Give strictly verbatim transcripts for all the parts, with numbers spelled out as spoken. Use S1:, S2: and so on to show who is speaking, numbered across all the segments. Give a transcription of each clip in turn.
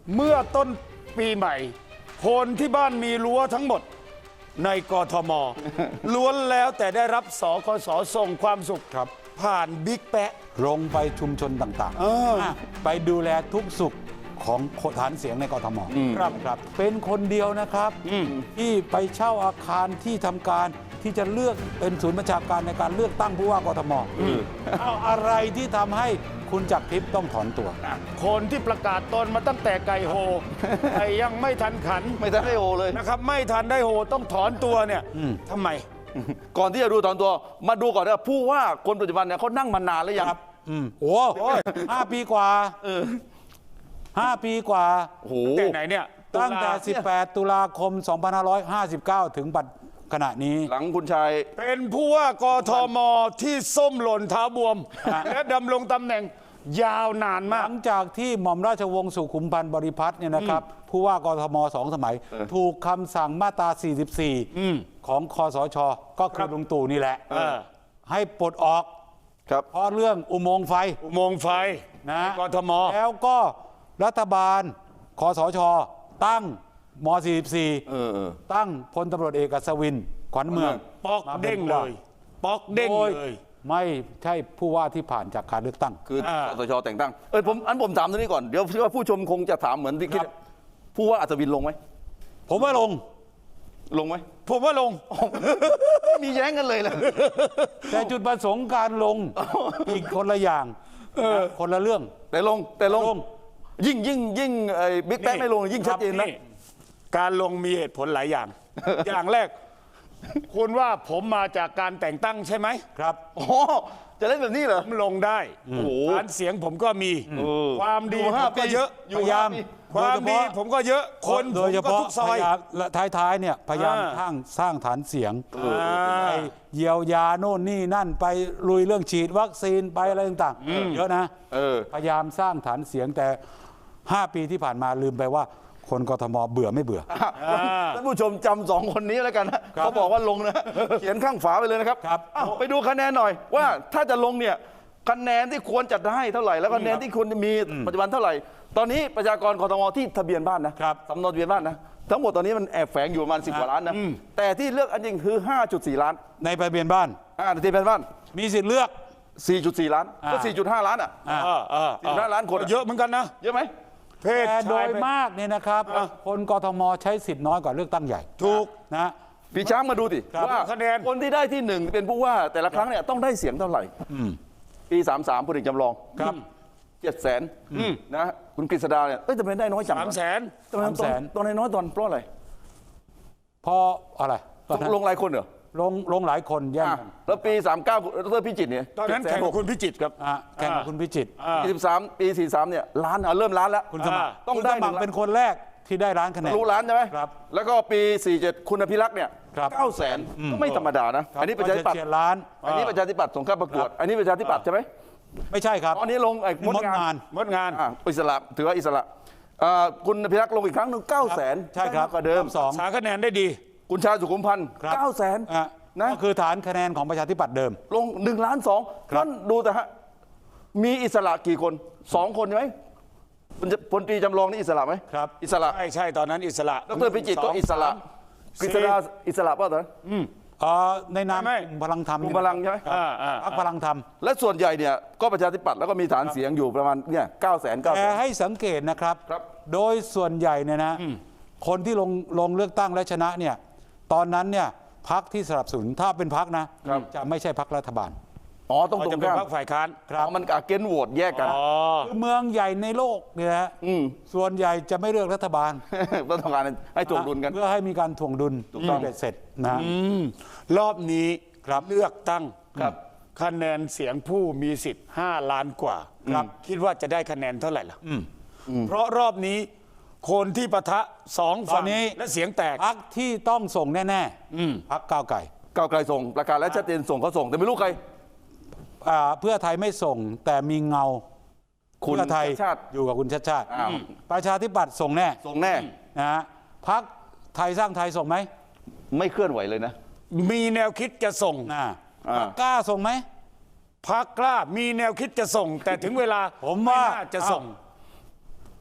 S1: เมื่อต้นปีใหม่คนที่บ้านมีรั้วทั้งหมดในกทม ล้วนแล้วแต่ได้รับสคสส่งความสุข
S2: ครับ
S1: ผ่านบิ๊กแปะ
S2: ลงไปชุมชนต่าง
S1: เออ
S2: ๆ ไปดูแลทุกสุขของฐานเสียงในกทม
S1: ครับ
S2: ครับ เป็นคนเดียวนะครับ ที่ไปเช่าอาคารที่ทำการที่จะเลือกเป็นศูนย์ประชาการในการเลือกตั้งผู้ว่ากทมเอาอะไรที่ทำให้คุณจักรทิพย์ต้องถอนตัว
S1: คนที่ประกาศตนมาตั้งแต่ไก่โห แต่ยังไม่ทันขัน
S3: ไม่ทันได้โอเลย
S1: นะครับ ไม่ทันได้โหต้องถอนตัวเนี่ยทำไม
S3: ก่อนที่จะดูตอนตัวมาดูก่อนว่าผู้ว่าคนปัจจุบันเนี่ยเขานั่งมานานหรือยัง
S2: ครับอืมโอ้ห้าปีกว่าห้าปีกว่า
S3: โอ้โห
S1: แต่ไหนเนี่ย
S2: ตั้งแต่
S1: ตุลา
S2: สิบแปด ตุลาคม สองพันห้าร้อยห้าสิบเก้า ถึงปัจขณะนี้
S3: หลังคุณชาย
S1: เป็นผู้ว่ากทมที่ส้มหล่นเท้าบวม และดำรงตำแหน่งยาวนาน
S2: ห
S1: มาก
S2: ลังจากที่หม่อมราชวงศ์สุขุมพันธ์บริพัตรเนี่ยนะครับ ผู้ว่ากทมสองสมัย ถูกคำสั่งมาตรา สี่สิบสี่ ของคสช ก็คือลุงตู่นี่แหละ
S1: เออ
S2: ให้ปลดออก
S3: ครับ
S2: เพราะเรื่องอุโมงค์ไฟ
S1: อุโมงค์ไฟ
S2: นะ
S1: กทม
S2: แล้วก็รัฐบาลคสช ตั้งม สี่สิบสี่
S3: เออเออ
S2: ตั้งพลตำรวจเอกอัศวินขวัญเมือง
S1: ป๊อก
S2: มาป็น
S1: เด้ง
S2: ผู้
S1: เล
S2: ว่า
S1: ย ป๊อกเด้ง
S2: โดย
S1: เลย
S2: ไม่ใช่ผู้ว่าที่ผ่านจากการเลือกตั้ง
S3: คือ
S1: อ่า
S3: คสชแต่งตั้งเออผมอันผมถามตรงนี้ก่อนเดี๋ยวเชื่อว่าผู้ชมคงจะถามเหมือนที่คิด
S2: ครับ
S3: ผู้ว่าอัศวินลงไหม
S2: ผมว่าลง
S3: ลงไหม
S1: ผมว่าลง
S3: ไม่มีแย้งกันเลยเลย
S2: แต่จุดประสงค์การลงอีกคนละอย่างนะคนละเรื่อง
S3: แต่ลงแต่ลง
S2: ลง
S3: ยิ่งยิ่งยิ่งไอ้บิ๊กแป๊กไม่ลงยิ่งชัดเจนนะ
S1: การลงมีเหตุผลหลายอย่าง อย่างแรก คุณว่าผมมาจากการแต่งตั้งใช่ไหม
S2: ครับ
S3: อ๋อจะเล่นแบบนี้เหรอ
S1: ผมลงได้
S3: โอ้โห
S1: ฐานเสียงผมก็มี
S3: เออ
S1: ความดี
S3: อยู่
S1: ผ
S3: ห้าม
S1: ก็
S3: ปี
S1: เยอะ
S3: อยู่
S2: พยายาม
S3: ห้ปี
S1: ความดีผมก็เยอะ คนผ
S2: โด
S1: ม
S2: ยเฉ
S1: ก็
S2: พาะ
S1: ทุกซอย
S2: พยายามและท้ายๆเนี่ยพยายาม
S1: อ่า
S2: สร้างสร้างฐานเสียง
S1: อ่า
S2: ไปเยียวยาโน่นนี่นั่นไปลุยเรื่องฉีดวัคซีนไปอะไรต่างๆเยอะนะ
S3: เออ
S2: พยายามสร้างฐานเสียงแต่ ห้า ปีที่ผ่านมาลืมไปว่าคนกทมเบื่อไม่เบื่อ
S3: ท่านผู้ชมจำสองคนนี้แล้วกันนะเขาบอกว่าลงนะ เขียนข้างฝาไปเลยนะครับ
S2: ครับ
S3: อ้าวไปดูคะแนนหน่อยว่าถ้าจะลงเนี่ยคะแนนที่ควรจะได้เท่าไหร่แล้วคะแนนที่ควรจะมีปัจจุบันเท่าไหร่ ตอนนี้ประชากรกทมที่ทะเบียนบ้านนะครับ สำเนาทะเบียนบ้านนะทั้งหมดตอนนี้มันแอบแฝงอยู่ประมาณสิบกว่าล้านนะแต่ที่เลือกอันจริงคือ ห้าจุดสี่ ล้าน
S2: ในทะเบียนบ้าน
S3: อ่าทะเบียนบ้าน
S2: มีสิทธิ์เลือก
S3: สี่จุดสี่ ล้านก็
S2: อ่า
S3: สี่จุดห้า ล้านอ่ะ
S2: อ่า
S1: เออเออเออ
S3: สิบห้าล้านคน
S1: เยอะเหมือนกันนะ
S3: เยอะไหม
S1: เพศ
S2: แต่โด
S1: ชาย
S2: ย
S1: ไป
S2: มากเนี่ยนะครับ คนกทมใช้สิทธิ์น้อยกว่าเลือกตั้งใหญ่
S1: ถูก
S2: นะ
S3: พี่ช้างมาดูสิ
S2: ครับ
S3: ว่า
S1: คะแนน
S3: คนที่ได้ที่หนึ่งเป็นผู้ว่าแต่ละครั้งเนี่ยต้องได้เสียงเท่าไหร่ปีสามสามพลเอกจำลอง
S2: ครับ
S3: เจ็ดแสนนะคุณกฤษดาเนี่ยเอ้ยทำไมได้น้อยจัง
S1: สามแสน
S3: ทำไม
S2: สามแสน
S3: ตอนน้อยๆตอนเพราะอะไร
S2: เพราะอะไรตอนนั้น
S3: ลงหลายคนเหรอ
S2: ลงลงหลายคนแย่ง
S3: อ่ะ
S2: กัน
S3: แล้วปีสามเก้าดรพิจิตรเนี่ย
S1: ตอนนั้นแข่งกับคุณพิจิตรครับ
S2: อ่ะแข่งกับคุณพิจิตร
S1: อ่า
S3: ปีสิบสามปีสี่สามเนี่ยล้านอ่ะเริ่มล้านแล้ว
S2: คุณสมัคร
S3: ต้อง
S2: คุณ
S3: ได้
S2: สมัคร
S3: หนึ่งล้าน
S2: เป็นคนแรกที่ได้ร้านคะแนน
S3: รู้ล้านใช่ไหม
S2: ครับ
S3: แล้วก็ปีสี่เจ็ดคุณอภิรักษ์เนี่ย
S2: ครับ
S3: เก้าแสนก็ไม่ธรรมดานะอันนี้ประชาธิปัตย์
S2: เฉียดล้าน
S3: อันนี้ประชาธิปัตย์ส่งเข้าประกวด อันนี้ประชาธิปัตย์ใช่ไหม
S2: ไม่ใช่ครับ
S3: อันนี้ลงไอ้มด
S2: มด
S3: งาน
S2: งาน
S1: มดงาน
S3: อ่ะอิสระถือว่าอิสระอ่าคุณอภิรักษ์ลงอีกครั้งหนึ่งเก้าแสน
S2: ใช่ครับ
S3: กว่าเดิม
S2: สอง
S1: สาคะแนนได้ดี
S3: คุณชาญสุขุมพันธ์
S2: ครับ
S3: เก้าแสน
S2: อ่ะ
S3: นะ
S2: ก็คือฐานคะแนนของประชาธิปัตย์เดิม
S3: ลงหนึ่งล้านสอง
S2: ครับ
S3: นั่นดูแต่ฮะมีอิสระกี่คนสองคนใช่ไหมพลพลตรีจำลองนี่อิสระไหม
S2: ครับ
S3: อิสระ
S1: ใช่ใช่ตอนนั้นอิสระ
S3: ดรพิจิตรก็อิสระ
S1: ส
S3: กฤษดาอิสระป่ะตอนนั้น
S2: เอ่อในนาม
S1: ไม่
S2: กลุ่มพลังธรรม
S3: กลุ่มพลังใช่ไหม
S1: อ่าอ่า
S2: พรรคพลังธรรม
S3: และส่วนใหญ่เนี่ยก็ประชาธิปัตย์แล้วก็มีฐานเสียงอยู่ประมาณเนี่ยเก้าแสนเก้าแส
S2: แต่
S3: น
S2: ให้สังเกตนะครับ
S3: ครับ
S2: โดยส่วนใหญ่เนี่ยนะ คนที่ลงลงเลือกตั้งและชนะเนี่ย ตอนนั้นเนี่ยพรรคที่สนับสนุนถ้าเป็นพรรคนะ จะไม่ใช่พรรครัฐบาล
S3: อ๋อต้องตร
S1: จะ
S3: ง
S1: เป็น
S3: ข้าม
S1: พรรคฝ่ายค้าน
S3: อ๋อมันอาเกนโหวตแยกกัน
S1: อ๋อ
S2: คือเมืองใหญ่ในโลกเนี่ยนะ
S3: อืม
S2: ส่วนใหญ่จะไม่เลือกรัฐบาล
S3: ต้องการให้ถ่วงดุลกัน
S2: เพื่อให้มีการถ่วงดุลถูกต้องเสร็จนะ
S1: รอบนี้
S2: ครับ
S1: เลือกตั้ง
S3: ครับ
S1: คะแนนเสียงผู้มีสิทธิ์ห้าล้านกว่า
S2: ครับ
S1: คิดว่าจะได้คะแนนเท่าไหร่ล่ะเพราะรอบนี้คนที่ปะทะสอง
S2: ตอ
S1: ฝั่
S2: น
S1: ง
S2: นี้
S1: และเสียงแตก
S2: พรรคที่ต้องส่งแน่ๆพรรคก้าวไก่
S3: ก้าวไกลส่งประกาศและชัดเจนส่งเขาส่งแต่ไม่รู้ใคร
S2: อ่าเพื่อไทยไม่ส่งแต่มีเงา
S3: คุณ
S2: เพื่อไทย
S3: ชาติ
S2: อยู่กับคุณชาติชาติ
S3: อ้าว
S2: ประชาธิปัตย์ส่งแน่
S3: ส่งแน่
S2: นะฮะพรรคไทยสร้างไทยส่งไหม
S3: ไม่เคลื่อนไหวเลยนะ
S1: มีแนวคิดจะส่ง
S2: นะ
S3: อ่า
S2: พรรคกล้าส่งไหม
S1: พักกล้ามีแนวคิดจะส่ง แต่ถึงเวลา
S2: ผมว่า
S1: ไน่จะส่ง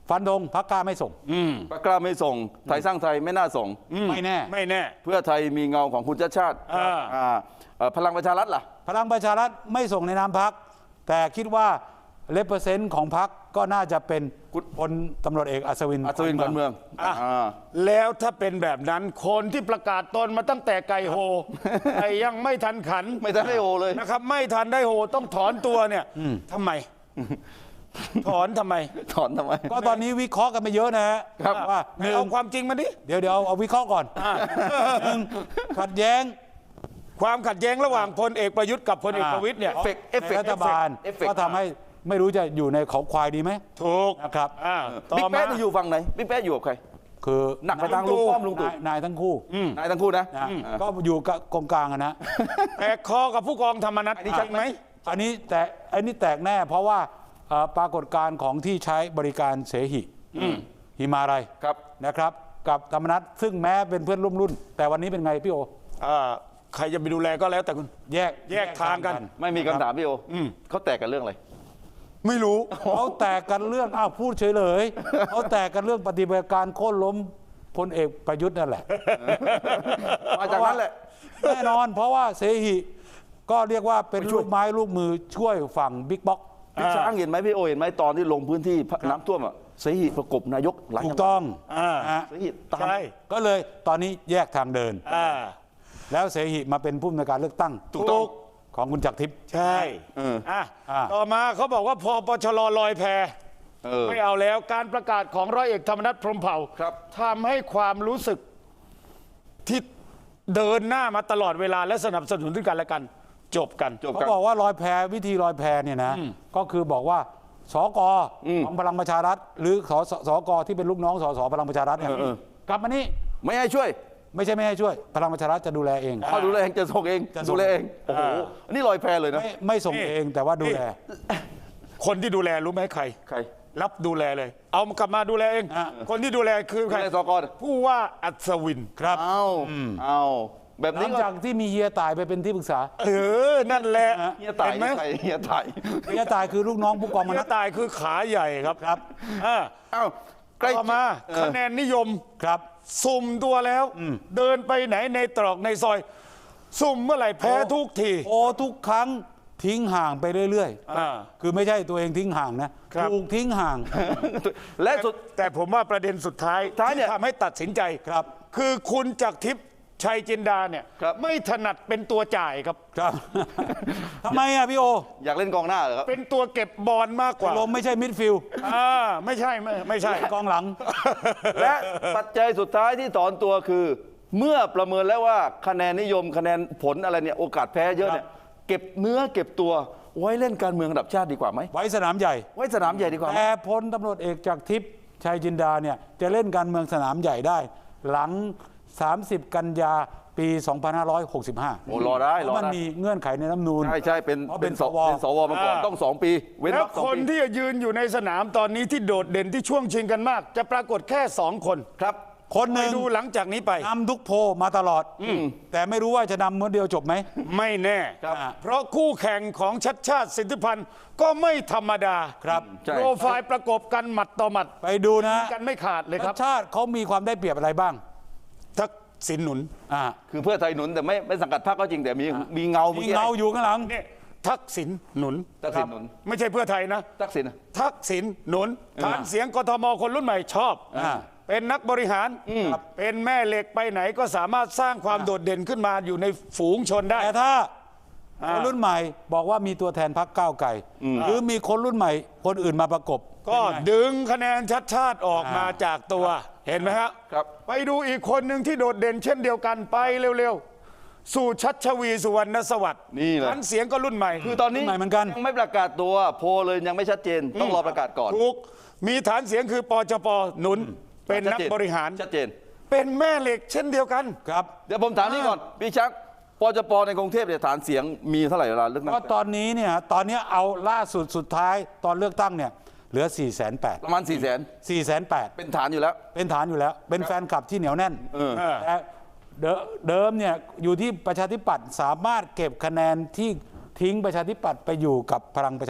S2: ฟันธงพรรคกล้าไม่ส่ง
S3: พรรคกล้าไม่ส่งไทยสร้างไทยไม่น่าส่ง
S2: ไม่แน่
S1: ไม่แน่
S3: เพื่อไทยมีเงาของคุณชาติชาติ
S1: อ่า
S3: อ่าเอ่อพลังประชารัฐล่ะ
S2: พลังประชารัฐไม่ส่งในนามพรรคแต่คิดว่าเลเปอร์เซนต์ของพรรคก็น่าจะเป็นพลตำรวจเอกอัศวิน
S3: อัศวินขวัญเมือง
S1: อ่ะ
S3: อ่า
S1: แล้วถ้าเป็นแบบนั้นคนที่ประกาศตนมาตั้งแต่ไก่โฮ ไก่ยังไม่ทันขัน
S3: ไม่ทันได้โอเลย
S1: นะครับ ไม่ทันได้โฮต้องถอนตัวเนี่ยทำไม ถอนทำไม
S3: ถอนทำไม
S2: ก็ตอนนี้วิเคราะห์กันไปเยอะนะฮะ
S3: ครับ
S2: ว่าห
S1: ไม่
S2: นึ่ง
S1: เอาความจริงมาดิ
S2: เดี๋ยวเดี๋ยวเอาเอาวิเคราะห์ก่อนหนึ่งขัดแย้ง
S1: ความขัดแย้งระหว่างพลเอกประยุทธ์กับพลเอกประวิตยเนี่ย
S3: เอฟเฟกต์เอฟเฟกต์
S2: ในรัฐบาล
S3: เอฟเฟกต์
S2: ก็ทำให้ไม่รู้จะอยู่ในเขาควายดีไหม
S1: ถูก
S2: นะครับ
S1: อ่าต่
S3: บิ๊ก
S1: อมา
S3: แป๊ะนี่อยู่ฝั่งไหนบิ๊กแป๊ะอยู่กับใคร
S2: คือ
S3: หนักไปทางลุงป้อมลุงตู่
S2: นายนายทั้งคู่
S3: นายทั้งคู่นะ
S2: นะก็อยู่กับกองกลางอะนะ
S1: แตกคอกับผู้กองธรรมนัฐ
S3: อันนี้
S1: จ
S3: ชั
S1: ริ
S3: ด
S1: ง
S3: ไห
S1: ไห
S3: ม
S1: ม
S2: อันนี้แต่อันนี้แตกแน่ เพราะว่าเอ่อปรากฏการณ์ของที่ใช้บริการเสหิหิมาลัย
S3: ครับ
S2: นะครับ กับธรรมนัฐซึ่งแม้เป็นเพื่อนร่วมรุ่น แต่วันนี้เป็นไงพี่โอ
S1: อ่าใครจะไปดูแลก็แล้วแต่คุณ
S2: แยก
S1: แยกทางกัน
S3: ไม่มีคำถามพี่โออเขาแตกกันเรื่องอะไร
S1: ไม่รู้
S2: เขาแตกกันเรื่องอ้าวพูดเฉยเลยเขาแตกกันเรื่องปฏิบัติการโค่นล้มพลเอกประยุทธ์นั่นแหละ
S3: มาจากนั้นแหละ
S2: แน่นอนเพราะว่าเสหิก็เรียกว่าเป็นลูกไม้ลูกมือช่วยฝั่งบิ๊กบ็อก
S3: พี่ช้างเห็นไหมพี่โอเห็นไหมตอนที่ลงพื้นที่น้ำท่วมอ่ะเสหิประกบนายกหลาย
S2: ถู
S3: จั
S2: ก
S3: งหวัด
S2: ต้อง
S1: อ่า
S2: นะฮะ
S3: เสหิตาม
S1: ใช่
S2: ก็เลยตอนนี้แยกทางเดิน
S1: อ่า
S2: แล้วเสหิมาเป็นผู้อำนวยการเลือกตั้ง
S1: ถูกต้อง
S2: ของคุณจักรทิพย์
S1: ใช่
S3: เออ
S1: อ่ะ
S2: อ่า
S1: ต่อมาเขาบอกว่าพอปชรลอยแพ
S3: เออ
S1: ไม่เอาแล้วการประกาศของร้อยเอกธรรมนัฐพรหมเผ่า
S3: ครับ
S1: ทำให้ความรู้สึกที่เดินหน้ามาตลอดเวลาและสนับสนุนซึ่งกันและกัน จบกัน
S3: จบ
S2: เขา
S3: กัน
S2: บอกว่าลอยแพวิธีลอยแพเนี่ยนะก็คือบอกว่าสก
S3: อืม
S2: ของพลังประชารัฐ หรือสสสกที่เป็นลูกน้องสสพลังประชารัฐเนี่ย
S3: เออเออ
S2: กลับมานี่
S3: ไม่ให้ช่วย
S2: ไม่ใช่ไม่ให้ช่วย พลังประชารัฐจะดูแลเอง
S3: เขาดูแลเองจะส่งเอง
S2: จะส่ง
S3: ดูแลเองโอ้โหอันนี้ลอยแพเลยนะ
S2: ไม่ไม่ส่ง
S1: นี่
S2: เองแต่ว่าดูแล
S1: คนที่ดูแลรู้ไหมใคร
S3: ใคร
S1: รับดูแลเลย เอากลับมาดูแลเอง
S2: อ่ะ
S1: คนที่ดูแลคือ
S3: ดู
S1: ใคร
S3: แลสก
S1: ผู้ว่าอัศวิน
S2: ครับ
S3: เอาเอาแบบ
S2: หลั
S3: นี้
S2: ง
S3: ก็
S2: จากที่มีเฮียตายไปเป็นที่ปรึกษา
S1: เออ นั่นแหละ
S3: เฮียตาย
S1: เห็นไหม
S3: ใครเฮียตาย
S2: เฮียตายคือลูกน้องผู้กองม
S1: เฮี
S2: นั
S1: ย
S2: ส
S1: ตายคือขาใหญ่ครับครับอ่า
S3: เอ้าใกล้
S1: ต่อมา
S3: เออ
S1: คะแนนนิยม
S2: ครับ
S1: สุ่มตัวแล้ว เดินไปไหนในตรอกในซอย สุ่มเมื่อไหร่แพ้ทุกที
S2: โอ้ทุกครั้งทิ้งห่างไปเรื่อย
S1: อ่า
S2: ๆ คือไม่ใช่ตัวเองทิ้งห่างนะครับ ถูกทิ้งห่าง
S3: และสุด
S1: แต่ผมว่าประเด็นสุดท้าย
S3: ท้ายเนี่ย
S1: ที่ทำให้ตัดสินใจ
S2: ครับ
S1: คือคุณจักรทิพย์ชัยจินดาเนี่ย
S3: ครับ
S1: ไม่ถนัดเป็นตัวจ่ายครับ
S2: ครับ ทำไมอ่ะพี่โอ
S3: อยากเล่นกองหน้าเหรอครับ
S1: เป็นตัวเก็บบอลมากกว่า
S2: ลมไม่ใช่มิดฟิลด์
S1: อ่าไม่ใช่ไม่ไม่ใช่
S2: กองหลัง
S3: และปัจจัยสุดท้ายที่ถอนตัวคือ เมื่อประเมินแล้วว่าคะแนนนิยมคะแนนผลอะไรเนี่ยโอกาสแพ้เยอะเนี่ยเก็บเนื้อเก็บตัวไว้เล่นการเมืองระดับชาติดีกว่าไหม
S2: ไว้สนามใหญ่
S3: ไว้สนามใหญ่ดีกว่าไหม
S2: แต่พลตำรวจเอกจากทิพย์ชัยจินดาเนี่ยจะเล่นการเมืองสนามใหญ่ได้ หลัง สามสิบ กันยาปี สองพันห้าร้อยหกสิบห้า
S3: โอ้รอได้รอ
S2: มัน
S3: ได้
S2: มีเงื่อนไขในรัฐธรรมนูญ
S3: ใช่ใช่เป็น
S2: เพราะ
S3: เป็
S2: เป็น น
S3: ส
S2: สว
S3: เป็นสวมาก่อน
S1: อ่า
S3: ต้องสองปี เว้น
S1: แล้ว
S3: รอบสอง
S1: คน
S3: ปี
S1: ที่ยืนอยู่ในสนามตอนนี้ที่โดดเด่นที่ช่วงชิงกันมาก จะปรากฏแค่สองคน
S3: ครับ
S2: คนห
S1: ไป
S2: นึ่ง
S1: ดูหลังจากนี้ไป
S2: นำทุกโพลมาตลอด แต่ไม่รู้ว่าจะนำเมื่อเดียวจบไหม
S1: ไม่แน่
S3: ครับ
S1: เพราะคู่แข่งของชัดชาติสิทธิพันธ์ก็ไม่ธรรมดา
S2: ครับ
S3: ใช่
S1: โปรไฟล์ประกบกันหมัดต่อหมัด
S2: ไปดูนะ
S1: กันไม่ขาดเลยครับ
S2: ชาติเขามีความได้เปรียบอะไรบ้าง
S1: ทักษิณหนุน
S2: อ่า
S3: คือเพื่อไทยหนุนแต่ไม่ไม่สังกัดพรรคก็จริงแต่มีมีเงา
S2: มี
S3: เมื่อกี้
S2: เงาอยู่ข้างหลัง
S1: เนี่ยทักษิณหนุน
S3: ทักษิณหนุน
S1: ไม่ใช่เพื่อไทยนะ
S3: ทักษิณอะ
S1: ทักษิณหนุนฐานเสียงกทมคนรุ่นใหม่ชอบ
S2: อ่า
S1: เป็นนักบริหารเป็นแม่เหล็กไปไหนก็สามารถสร้างความโดดเด่นขึ้นมาอยู่ในฝูงชนได้
S2: แต่ถ้า
S1: อ่า
S2: คนรุ่นใหม่บอกว่ามีตัวแทนพรรคก้าวไกลหรือมีคนรุ่นใหม่คนอื่นมาประกบ
S1: ก็
S2: เป็นไง
S1: ดึงคะแนนชัดชาติออกมา
S2: อ่า
S1: จากตัวเห็นไหมฮะ
S3: ครับ
S1: ไปดูอีกคนหนึ่งที่โดดเด่นเช่นเดียวกันไปเร็วๆ สู่ชัชวีสุวรรณสวัสดิ์
S3: นี่แหละ
S1: ฐานเสียงก็รุ่นใหม่
S3: คือตอนนี้
S2: รุ่นใหม่เหมือนกัน
S3: ยังไม่ประกาศตัวโพลเลยยังไม่ชัดเจน ต้องรอประกาศก่อน
S1: ถูกมีฐานเสียงคือปจปหนุนเป็นนักบริหาร
S3: ชัดเจน
S1: เป็นแม่เหล็กเช่นเดียวกัน
S2: ครับ
S3: เดี๋ยวผมถามนี่ก่อนพี่ชักปจปในกรุงเทพเนี่ยฐานเสียงมีเท่าไหร่เวลาเลือกตั้ง
S2: ก็ตอนนี้เนี่ยตอนนี้เอาล่าสุดสุดท้ายตอนเลือกตั้งเนี่ยเหลือ 4 8 0 0 0
S3: ประมาณสี่แสน
S2: 4 8 0 0
S3: เป็นฐานอยู่แล้ว
S2: 0เป็นฐานอยู่แล้ว เป็นแฟนคลับที่เหนียวแน่น
S3: เออ
S2: แต่เดิเดิมเนี่ยอยู่ที่ประชาธิปัตย์สามารถเก็บคะแนนที่ทิ้งประชาธิปัตย์ไปอยู่กับพลังประชารัฐ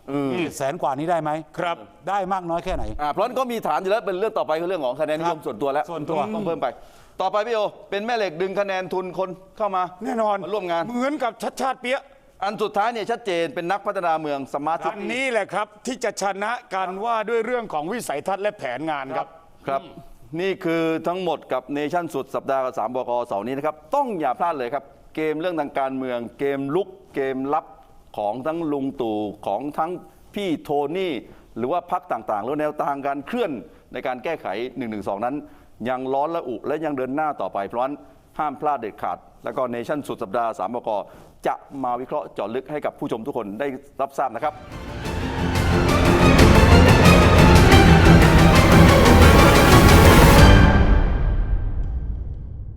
S2: แสนกว่านี้ได้ไหม
S1: ครับ
S2: ได้มากน้อยแค่ไหน
S3: อ่าเพราะฉะนั้นก็มีฐานอยู่แล้วเป็นเรื่องต่อไปคือเรื่องของคะแนนนิยมส่วนตัวแล้ว
S2: ส่วนตัว
S3: ต้องเพิ่มไป ต่อไปพี่โอเป็นแม่เหล็กดึงคะแนนทุนคนเข้ามา
S1: แน่นอน
S3: มาร่วมงาน
S1: เหมือนกับชัดชาติเปียะ
S3: อันสุดท้ายเนี่ยชัดเจนเป็นนักพัฒนาเมืองสมาร์ท
S1: อันนี้แหละครับที่จะชนะกันว่าด้วยเรื่องของวิสัยทัศน์และแผนงานครับ
S3: ครับ นี่คือทั้งหมดกับเนชั่นสุดสัปดาห์กับสามบกเสาร์นี้นะครับ ต้องอย่าพลาดเลยครับ เกมเรื่องทางการเมือง เกมลุกเกมลับของทั้งลุงตู่ของทั้งพี่โทนี่ หรือว่าพักต่างๆ แล้วแนวทางการเคลื่อนในการแก้ไขหนึ่งหนึ่งสองนั้น ยังร้อนระอุและยังเดินหน้าต่อไปเพราะฉะนั้นห้ามพลาดเด็ดขาด แล้วก็เนชั่นสุดสัปดาห์สามบกจะมาวิเคราะห์เจาะลึกให้กับผู้ชมทุกคนได้รับทราบนะครับ